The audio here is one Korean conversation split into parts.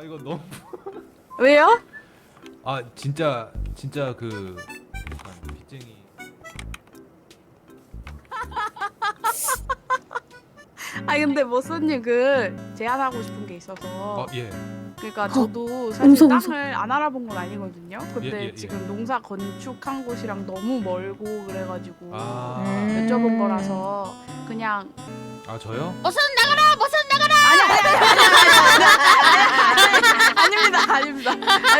이거 너무 왜요? 아 진짜 그 약간 빚쟁이. 아니 근데 머스님 그 제안하고 싶은 게 있어서 예. 그러니까 저도 사실 무서워, 땅을 안 알아본 건 아니거든요. 근데 예. 지금 농사 건축한 곳이랑 너무 멀고 그래가지고 아, 여쭤본 거라서 그냥 아 저요? 머선 나가라! 머선 나가라! 아닙니다.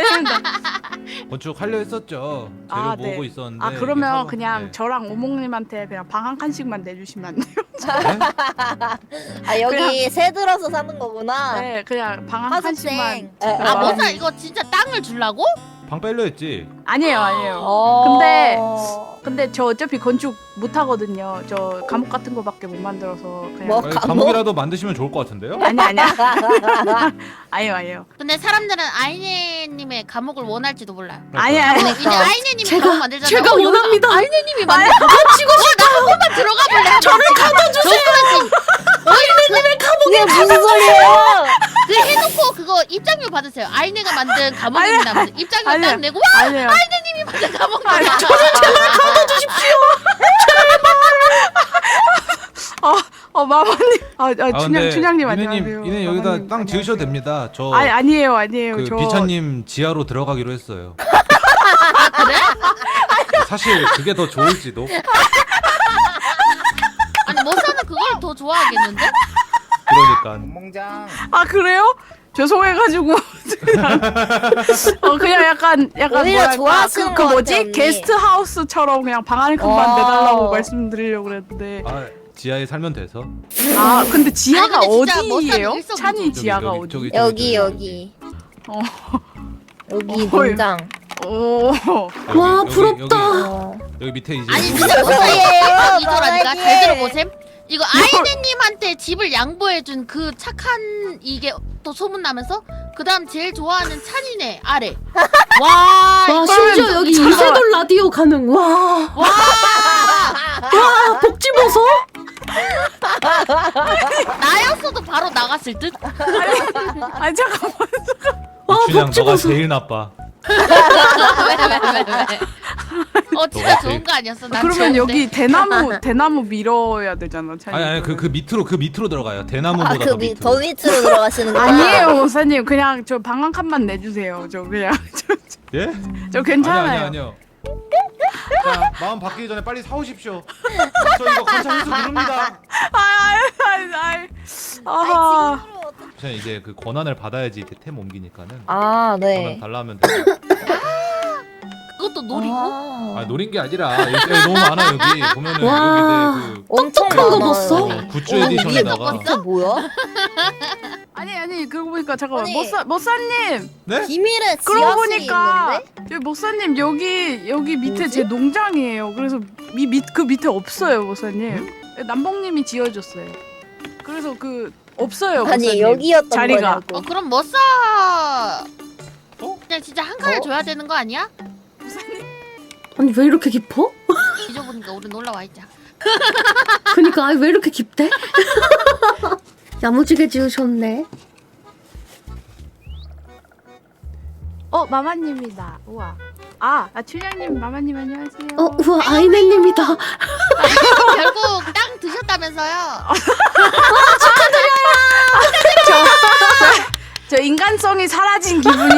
건축 하려 했었죠. 재료 아, 모으고 네. 있었는데. 아 그러면 이게 사고- 그냥 네. 저랑 오목님한테 그냥 방 한 칸씩만 내주시면 안 돼요? 네? 아 여기 그냥- 새 들어서 사는 거구나. 네, 그냥 방 한 칸씩만. 화숙생. 아 머선 이거 진짜 땅을 주려고? 방 빼려 했지. 아니에요. 어. 근데 저 어차피 건축 못 하거든요. 저 감옥 같은 거밖에 못 만들어서 그냥. 뭐? 아니, 감옥? 감옥이라도 만드시면 좋을 것 같은데요? 아니야. 아니에요. 근데 사람들은 아이네님의 감옥을 원할지도 몰라요. 아니야. 근데 이제 아이네님이 제가- 감옥 만들잖아요. 제가 원합니다. 아이네님이 만든 감옥 치고 싶어요. 나 한 번만 들어가 볼래? 저를 가둬주세요. 아이네님의 이게 무슨 소리예요? 그 해놓고 그거 입장료 받으세요. 아이네가 만든 감옥입니다. 입장료 아니야. 딱 내고 아니에요. 아이네님이 만든 감옥. 마마님. 근데 춘향님 안녕하세요. 이네 여기다 마마님 땅 지으셔도 됩니다. 저 아니에요. 그 저 비차님 지하로 들어가기로 했어요. 그래? 사실 그게 더 좋을지도. 아니 머선은 그걸 더 좋아하겠는데? 그러니까. 멍장. 그래요? 죄송해가지고 그냥 약간 오히려 뭐랄까, 좋아하시는 그 것 뭐지? 같아, 언니. 게스트 하우스처럼 그냥 방 한 칸만 내달라고 말씀드리려고 그랬는데 아 지하에 살면 돼서. 근데 지하가 아니, 근데 진짜 어디예요? 머싸는 일석이조. 찬이 지하가 어디? 여기. 어. 여기 어, 농장. 오. 와, 부럽다. 여기 밑에 이제 아니 여기 진짜 밑에- 머선이에요. 이거라니까 바닥에. 잘 들어보셈. 이거 아이네님한테 집을 양보해준 그 착한 이게 또 소문나면서 그 다음 제일 좋아하는 찬이네 아래. 와, 와 이거 심지어 좀 여기 미쳤다. 이세돌 라디오 가능. 와 복지보소? 나였어도 바로 나갔을 듯. 아니 잠깐만. 와 춘향 너가 복지보소. 제일 나빠. 왜? 진짜 너가 좋은 제일- 거 아니었어? 난 그러면 좋은데. 여기 대나무 밀어야 되잖아. 찬이. 아니 그 밑으로 들어가요. 대나무보다 더 더 밑으로. 밑으로 들어가시는 거야? 아니에요, 목사님. 그냥 저 방 한 칸만 내주세요. 저 그냥 예? 저 괜찮아요. 아니요. 자, 마음 바뀌기 전에 빨리 사오십시오. 저 이거 건차 회수 누릅니다. 아하. 저는 이제 그 권한을 받아야지 템 옮기니까는. 아, 권한 네. 달라면 돼. 그것도 노리고? 아 노린 게 아니라 여기 너무 많아 여기 보면은 와. 여기 그 엄청 똑똑한 거 많아요. 봤어? 굿즈 어, 에디션에다가 이게 이게 뭐야? 아니 그러고 보니까 잠깐만 아니. 목사님 네? 비밀의 그러고 지하실이 보니까 있는데? 저기 목사님 여기 밑에 뭐지? 제 농장이에요. 그래서 그 밑에 없어요, 목사님. 남봉님이 지어줬어요. 그래서 그 없어요, 아니 목사님. 여기였던 자리가. 거냐고. 그럼 머싸 그냥 진짜 한 칸을 줘야 되는 거 아니야? 아니 왜 이렇게 깊어? 잊어보니까 우리 놀러와 있자. 그니까 아니 왜 이렇게 깊대? 야무지게 지으셨네. 마마님이다. 우와. 춘향님, 마마님 안녕하세요. 우와 아이네님이다. 결국 땅 드셨다면서요? 저 인간성이 사라진 기분이에요.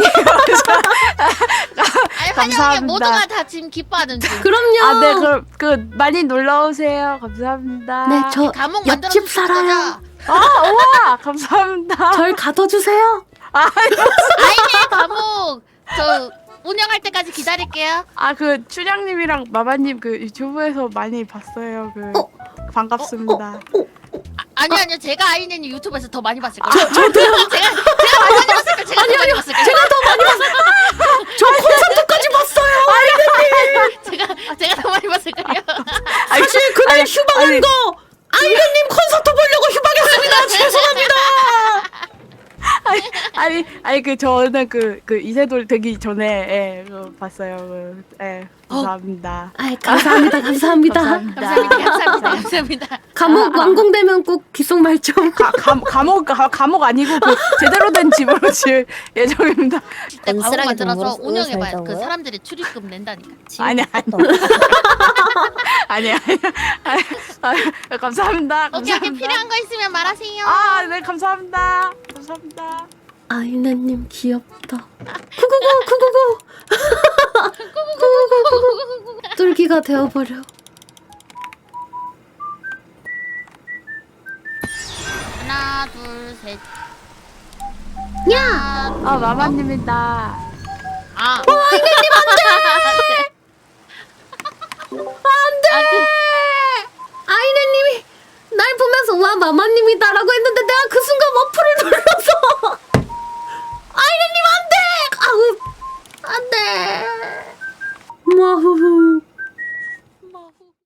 아니 환영해 감사합니다. 모두가 다 지금 기뻐하는 중. 그럼요. 네, 그 많이 놀러 오세요. 감사합니다. 네, 저 감옥 만들어 옆집 살아요. 우와, 감사합니다. 절 가둬주세요. 아이네 감옥 저 운영할 때까지 기다릴게요. 그 춘향님이랑 마마님 그 유튜브에서 많이 봤어요. 반갑습니다. 아니요 제가 아이네님 유튜브에서 더 많이 봤을 거예요. 제가 더 많이 봤을 거예요. 제가 더 많이 봤을 거예요. 제가 더 많이 봤어요. 저 콘서트까지 봤어요. 제가 더 많이 봤을 거예요. 사실 그날 휴방한 거 아이네님 콘서트 보려고 휴방했습니다. 죄송합니다. 아니 저는 그 이세돌 되기 전에 봤어요. 감사합니다. 아, 감사합니다. 감사합니다. 감사합니다. 감옥 완공되면 꼭 귓속말 좀. 감옥 아니고 그 제대로 된 집으로 지을 예정입니다. 그때 과목 건실하게 만들어서 돈 벌었어요, 운영해봐요. 그 살자고요? 사람들이 출입금 낸다니까. 아니야. 감사합니다. 오케이 필요한 거 있으면 말하세요. 네 감사합니다. 아이네님 귀엽다. 999 999 뚫기가 되어버려. 하나 둘 셋. 야! 마마님이다. 아이네님 안돼. 아이네님이 날 보면서 와 마마님이다라고 했는데 내가 그 순간 어플을 눌러.